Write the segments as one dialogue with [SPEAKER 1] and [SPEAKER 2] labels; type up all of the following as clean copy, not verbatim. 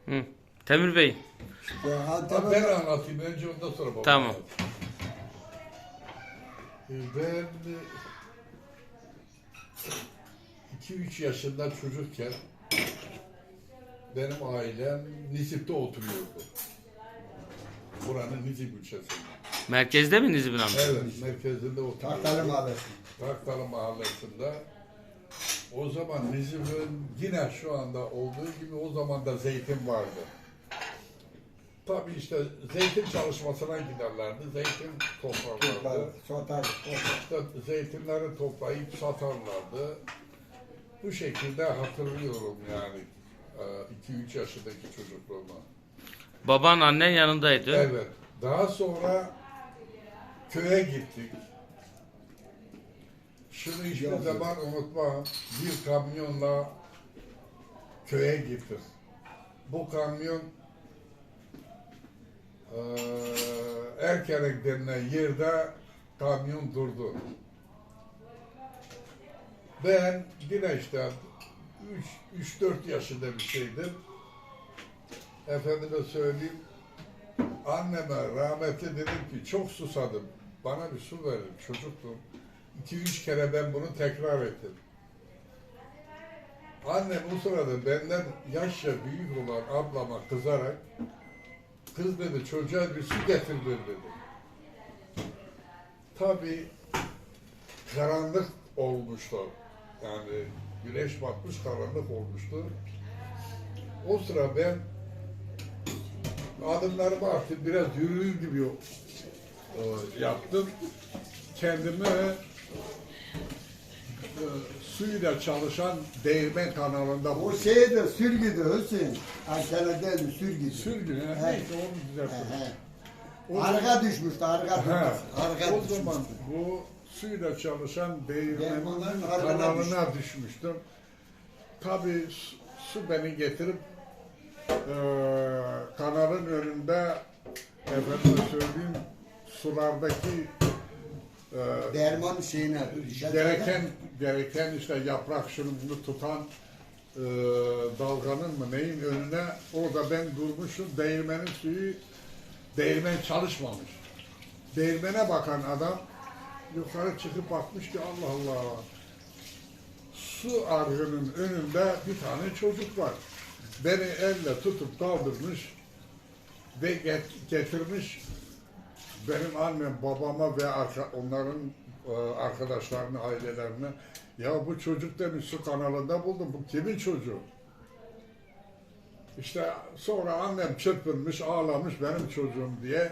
[SPEAKER 1] Hı. Temür Bey.
[SPEAKER 2] Ben anlatayım. Önce ondan sonra babam
[SPEAKER 1] Tamam.
[SPEAKER 2] anlatayım. Ben 2-3 yaşında çocukken benim ailem Nizip'te oturuyordu. Buranın Nizip ilçesinde.
[SPEAKER 1] Merkezde mi Nizip'in amca?
[SPEAKER 2] Evet, merkezinde oturuyordu.
[SPEAKER 3] Tahtalı Mahallesi.
[SPEAKER 2] Taktalı Mahallesi'nde. O zaman Nizip'in yine şu anda olduğu gibi o zaman da zeytin vardı. Tabii işte zeytin çalışmasına giderlerdi. Zeytin toplarlardı. İşte zeytinleri toplayıp satarlardı. Bu şekilde hatırlıyorum yani 2-3 yaşındaki çocukluğumu.
[SPEAKER 1] Baban annen yanındaydı.
[SPEAKER 2] Evet. Daha sonra köye gittik. Şunu hiçbir zaman unutmam. Bir kamyonla köye gittik. Bu kamyon Erkerek denilen yerde kamyon durdu. Ben yine işte 3-4 yaşında bir şeydim. Efendime söyleyeyim, anneme rahmetli dedim ki çok susadım. Bana bir su verin, çocuktum. 2-3 kere ben bunu tekrar ettim. Annem bu sırada benden yaşça büyük olan ablama kızarak, kız dedi çocuğa bir su getir dedi. Tabii karanlık olmuştu. Yani güneş batmış, karanlık olmuştu. O sıra ben adımlarımı artık biraz yürür gibi yaptım. Kendimi suyla çalışan değirmen kanalında
[SPEAKER 3] O
[SPEAKER 2] buldum.
[SPEAKER 3] şeydi, sürgüdü Hüseyin. Ankara değil, sürgüdü.
[SPEAKER 2] Sürgün,
[SPEAKER 3] He.
[SPEAKER 2] neyse onu düzelttim.
[SPEAKER 3] He.
[SPEAKER 2] O
[SPEAKER 3] Arka düşmüştü, arka düşmüştü. Arka
[SPEAKER 2] O
[SPEAKER 3] düşmüştü.
[SPEAKER 2] zaman bu suyla çalışan değirmenin
[SPEAKER 3] Değirmenlerin ardına
[SPEAKER 2] kanalına düşmüştüm. Tabii su beni getirip kanalın önünde efendim söyleyeyim sulardaki
[SPEAKER 3] Derman şeyine.
[SPEAKER 2] gereken işte yaprak şunu bunu tutan dalganın mı neyin önüne orada ben durmuşum, değirmenin suyu, değirmen çalışmamış. Değirmene bakan adam yukarı çıkıp bakmış ki Allah Allah, su argının önünde bir tane çocuk var. Beni elle tutup kaldırmış ve getirmiş benim annem, babama ve onların arkadaşlarını, ailelerine. Ya bu çocuk demiş su kanalında buldum. Bu kimin çocuğu? İşte sonra annem çırpınmış, ağlamış benim çocuğum diye.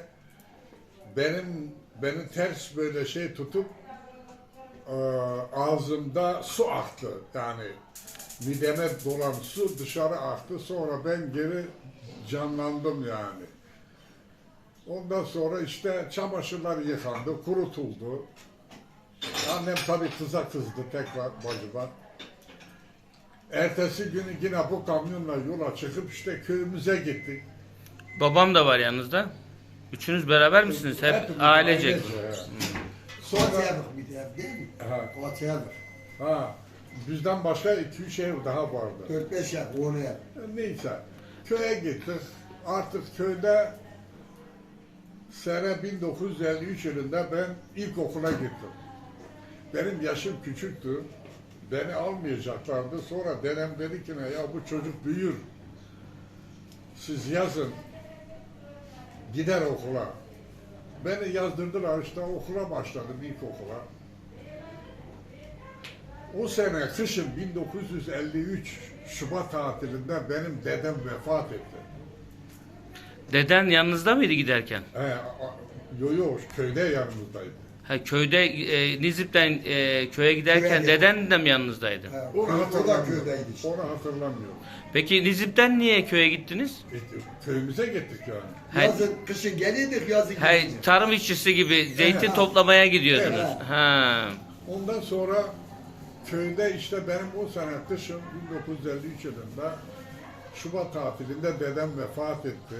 [SPEAKER 2] Beni ters böyle şey tutup ağzımda su aktı. Yani mideme dolan su dışarı aktı. Sonra ben geri canlandım yani. Ondan sonra işte çamaşırlar yıkandı, kurutuldu. Annem tabii kıza kızdı tekrar bacıma. Ertesi günü yine bu kamyonla yola çıkıp işte köyümüze gittik.
[SPEAKER 1] Babam da var yanınızda. Üçünüz beraber misiniz? Hep
[SPEAKER 2] Hepimiz
[SPEAKER 1] ailecek.
[SPEAKER 2] ailece.
[SPEAKER 3] Sonra
[SPEAKER 2] Sonra
[SPEAKER 3] bir de değil mi?
[SPEAKER 2] ha,
[SPEAKER 3] Koçyalık.
[SPEAKER 2] bizden başka 2-3 ev daha vardı.
[SPEAKER 3] 4-5 yak, 10 yak.
[SPEAKER 2] Neyse köye gittik. Artık köyde sene 1953 yılında ben ilkokula gittim. Benim yaşım küçüktü. Beni almayacaklardı. Sonra dedem dedi ki ya bu çocuk büyür. Siz yazın. Gider okula. Beni yazdırdılar işte okula başladım ilkokula. O sene kışın 1953 Şubat tatilinde benim dedem vefat etti.
[SPEAKER 1] Deden yanınızda mıydı giderken?
[SPEAKER 2] Yo köyde yanımızdaydı.
[SPEAKER 1] Ha, köyde Nizip'ten köye giderken
[SPEAKER 3] Köye
[SPEAKER 1] deden de mi yanınızdaydı?
[SPEAKER 2] Onu
[SPEAKER 3] O da
[SPEAKER 2] hatırlamıyorum.
[SPEAKER 3] köydeydi işte.
[SPEAKER 2] Onu hatırlamıyorum.
[SPEAKER 1] Peki Nizip'ten niye köye gittiniz?
[SPEAKER 2] Köyümüze gittik yani.
[SPEAKER 1] Hay-
[SPEAKER 3] Yazın, kışın geliydik, yazın
[SPEAKER 1] Hay,
[SPEAKER 3] gidiydik.
[SPEAKER 1] tarım işçisi gibi zeytin
[SPEAKER 3] Evet.
[SPEAKER 1] toplamaya gidiyordunuz.
[SPEAKER 3] Evet.
[SPEAKER 1] Ha.
[SPEAKER 2] Ondan sonra köyde işte benim o sene kışın 1953 yılında Şubat tatilinde dedem vefat etti.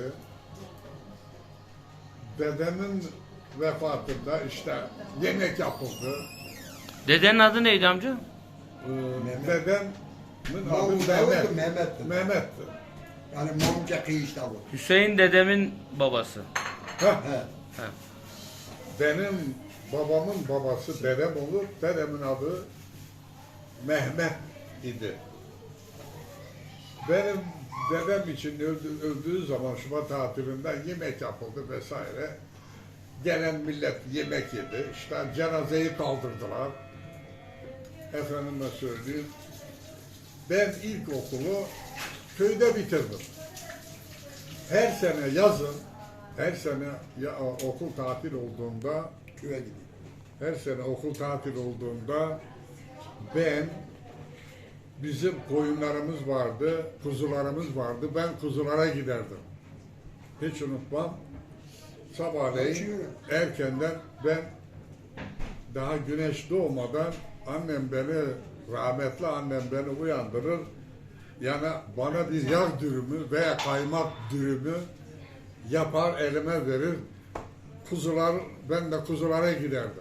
[SPEAKER 2] Dedemin vefatında işte yemek yapıldı.
[SPEAKER 1] Dedenin adı neydi amca?
[SPEAKER 2] Dedemin adı
[SPEAKER 3] Mahmut
[SPEAKER 2] Mehmet.
[SPEAKER 3] Davut'tu, Mehmet'ti.
[SPEAKER 2] Mehmet'ti.
[SPEAKER 3] Yani Mamca kıyışta bu.
[SPEAKER 1] Hüseyin dedemin babası.
[SPEAKER 2] Heh,
[SPEAKER 3] He.
[SPEAKER 1] He.
[SPEAKER 2] benim babamın babası dedem olur. Dedemin adı Mehmet idi. Benim dedem için öldüğü zaman Şubat tatilinde yemek yapıldı vesaire. Gelen millet yemek yedi. İşte cenazeyi kaldırdılar. Efendime söyleyeyim. Ben ilkokulu köyde bitirdim. Her sene yazın, her sene okul tatil olduğunda,
[SPEAKER 3] Köye gidiyor.
[SPEAKER 2] her sene okul tatil olduğunda ben bizim koyunlarımız vardı, kuzularımız vardı. Ben kuzulara giderdim. Hiç unutmam. Sabahleyin erkenden ben daha güneş doğmadan annem beni, rahmetli annem beni uyandırır. Yani bana bir yağ dürümü veya kaymak dürümü yapar elime verir. Kuzular, ben de kuzulara giderdim.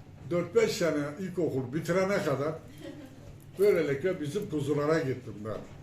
[SPEAKER 2] 4-5 sene ilkokul bitirene kadar böylelikle bizim kuzulara gittim ben.